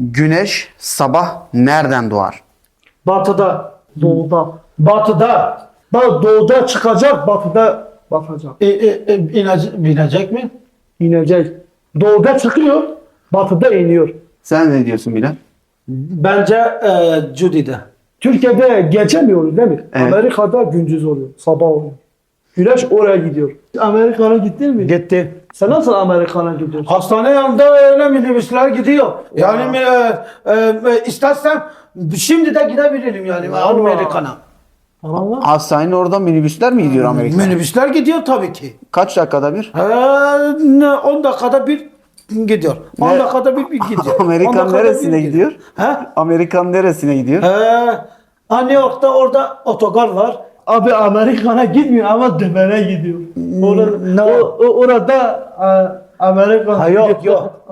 Güneş sabah nereden doğar? Batıda. Doğuda. Batıda. Bak doğuda çıkacak, batıda batacak. Binecek mi? İnecek. Doğuda çıkıyor, batıda iniyor. Sen ne diyorsun Bilal? Bence Judy'de. Türkiye'de geçemiyoruz değil mi? Evet. Amerika'da gündüz oluyor, sabah oluyor. Güneş oraya gidiyor. Amerika'ya gittin mi? Gitti. Sen nasıl Amerika'ya gidiyorsun? Hastane yanında öyle minibüsler gidiyor. Yani istersen şimdi de gidebilirim yani Amerika'na. Allah. Hastanenin oradan minibüsler mi gidiyor Amerika'ya? Minibüsler gidiyor tabii ki. Kaç dakikada bir? 10 dakikada bir gidiyor. 10 Ne? dakikada bir gidiyor. 10 Amerikan dakikada neresine bir gidiyor? He? Amerikan neresine gidiyor? New York'ta orada otogar var. Abi Amerika'ya gitmiyor ama Dömer'e gidiyor. Orada, No. orada Amerika. Ha, yok yok.